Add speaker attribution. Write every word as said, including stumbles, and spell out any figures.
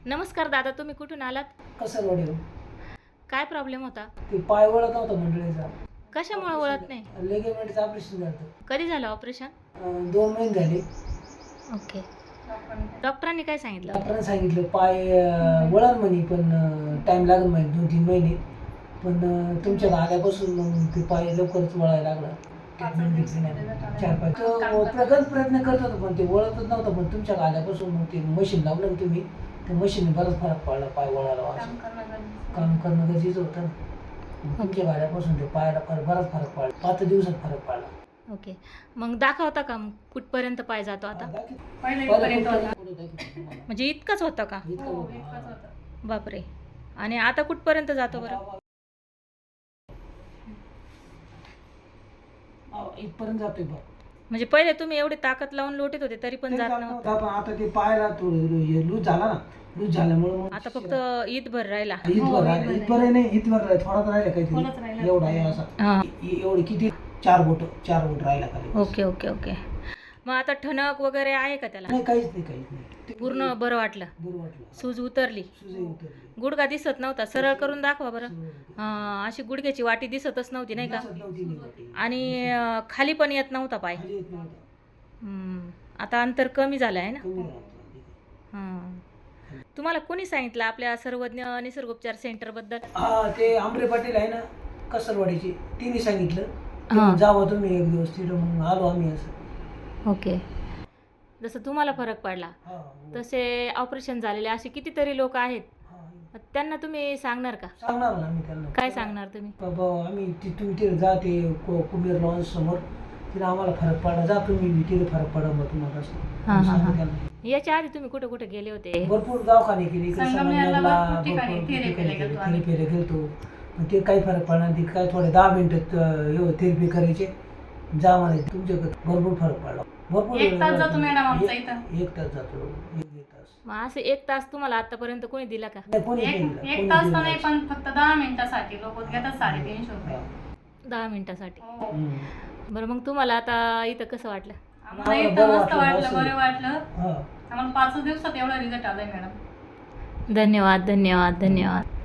Speaker 1: नमस्कार दादा, तुम्ही कुठून आलात?
Speaker 2: कसं वडील
Speaker 1: काय प्रॉब्लेम होता?
Speaker 2: ते पाय वळत नव्हता मंडळीचा.
Speaker 1: कशामुळे वळत नाही?
Speaker 2: लेगेमेंटचं ऑपरेशन झालं.
Speaker 1: कधी झालं ऑपरेशन?
Speaker 2: अं, दोन महिने झाले.
Speaker 1: ओके. डॉक्टरांनी काय सांगितलं?
Speaker 2: डॉक्टरांनी सांगितलं पाय अं, वळण म्हणे, पण टाइम लागेल म्हणे दोन तीन महिने. पण अं, तुमच्या आल्यापासून मग ते पाय लवकरच वळायला लागला. ट्रीटमेंट घेतली नाही चार पाच तो प्रगत प्रयत्न करत होतो, पण ते वळतच नव्हतं. पण तुमच्या आल्यापासून मग ते मशीन लावलं ना तुम्ही, त्या मशीनने बराच फरक पडला पाय वळायला. असं काम करणं गरजेचं होतं ना. तुमच्या गाड्यापासून ते पायाला फरक बराच फरक पडला. पाच दिवसात फरक पडला.
Speaker 1: ओके. मग दाखवता का मग कुठपर्यंत पाय जातो आता? म्हणजे इतकंच होतं का? बापरे. आणि आता कुठपर्यंत जातो बरं?
Speaker 2: इथपर्यंत जातोय बघ.
Speaker 1: म्हणजे पहिले तुम्ही एवढी ताकद लावून लोटीत होते तरी पण
Speaker 2: ते
Speaker 1: जात
Speaker 2: जात
Speaker 1: नव्हतं.
Speaker 2: नव्हता, पण आता ते पायाला थोडं लूज झाला ना. लूज झाल्यामुळे मग
Speaker 1: आता फक्त ईदभर राहिला.
Speaker 2: इथभर राहिला. इथभर नाही, इथभर राहिला. थोडाच राहिला काहीतरी. एवढा आहे असा.
Speaker 1: हां.
Speaker 2: ए- एवढी किती चार बोट चार बोट राहिला खाली.
Speaker 1: Okay okay okay. मग आता ठणक वगैरे आहे का त्याला?
Speaker 2: नाही, काहीच नाही, काहीच नाही. ते
Speaker 1: पूर्ण बरं वाटलं?
Speaker 2: बरं वाटलं.
Speaker 1: सूज उतरली?
Speaker 2: सुजही उतरली.
Speaker 1: गुडघा दिसत नव्हता, सरळ करून दाखवा बरं.
Speaker 2: सुजही
Speaker 1: हां, अशी गुडघ्याची वाटी दिसतच नव्हती नाही का?
Speaker 2: दिसत नव्हती ती वाटी.
Speaker 1: आणि अं, खाली पण येत नव्हता पाय.
Speaker 2: खाली येत नव्हता.
Speaker 1: हम्म. आता अंतर कमी झालं आहे ना?
Speaker 2: कमी राहतं.
Speaker 1: हां. तुम्हाला कोणी सांगितलं आपल्या सर्वज्ञ निसर्गोपचार सेंटरबद्दल?
Speaker 2: हा, ते आमरे पाटील आहे ना, कसरवाडीचे, तिने सांगितलं
Speaker 1: हां.
Speaker 2: की जावं तुम्ही एक दिवस तिथं. मग आलो आम्ही असं.
Speaker 1: ओके. जसं तुम्हाला फरक पडला
Speaker 2: हा,
Speaker 1: तसे ऑपरेशन झालेले असे कितीतरी लोक आहेत,
Speaker 2: हा.
Speaker 1: मग त्यांना तुम्ही सांगणार का?
Speaker 2: सांगणार ना आम्ही त्यांना.
Speaker 1: काय सांगणार तुम्ही?
Speaker 2: बाबा आम्ही ति- तुम्ही तिथे जा, ते को- कुबेर लॉन्स समोर, तिथे आम्हाला फरक पडला. जा तुम्ही तिथे फरक पडा मग तुम्हाला असं.
Speaker 1: हां हां
Speaker 2: सांगू
Speaker 1: हां.
Speaker 2: त्यांना.
Speaker 1: याच्या आधी तुम्ही कुठे कुठे गेले होते?
Speaker 2: भरपूर दवाखाने केले. इकडे
Speaker 3: संगमनेरला
Speaker 2: संगमनेरला
Speaker 3: भरपूर ठिकाणी
Speaker 2: भरपूर
Speaker 3: थेरपी
Speaker 2: ठिकाणी
Speaker 3: गेलो
Speaker 2: केले.
Speaker 3: आम्ही.
Speaker 2: थेरपीला गेलतो, पण ते काही फरक पडला नाही. ते काय थोडे दहा मिनिटात थेरपी करायचे, जा म्हणे. तुमच्याकडे भरपूर फरक पडला. भरपूर
Speaker 3: एक तास जातो मॅडम आमचा
Speaker 2: एक-
Speaker 3: इथं.
Speaker 2: एक तास जातो. एक दीड तास.
Speaker 1: मग असं एक तास तुम्हाला आतापर्यंत कोणी दिला का?
Speaker 2: नाही, कोणी नाही
Speaker 3: एक
Speaker 2: दिला.
Speaker 3: एक
Speaker 2: कोणी
Speaker 3: तास
Speaker 2: दिला
Speaker 3: तर नाही, पण फक्त दहा मिनिटासाठी लोक घेतात साडेतीनशे रुपये.
Speaker 1: दहा मिनिटासाठी?
Speaker 3: हो.
Speaker 2: हम्म.
Speaker 1: बरं, मग तुम्हाला आता इथं कसं वाटलं?
Speaker 3: आम्हाला
Speaker 2: आम्हाला
Speaker 3: इथं
Speaker 2: बरं
Speaker 3: मस्त
Speaker 2: वाटलं,
Speaker 3: वाटलं,
Speaker 2: मस्त.
Speaker 3: बरं वाटलं.
Speaker 2: हा.
Speaker 3: आम्हाला पाच दिवसात एवढा रिझल्ट आलाय मॅडम.
Speaker 1: धन्यवाद धन्यवाद धन्यवाद.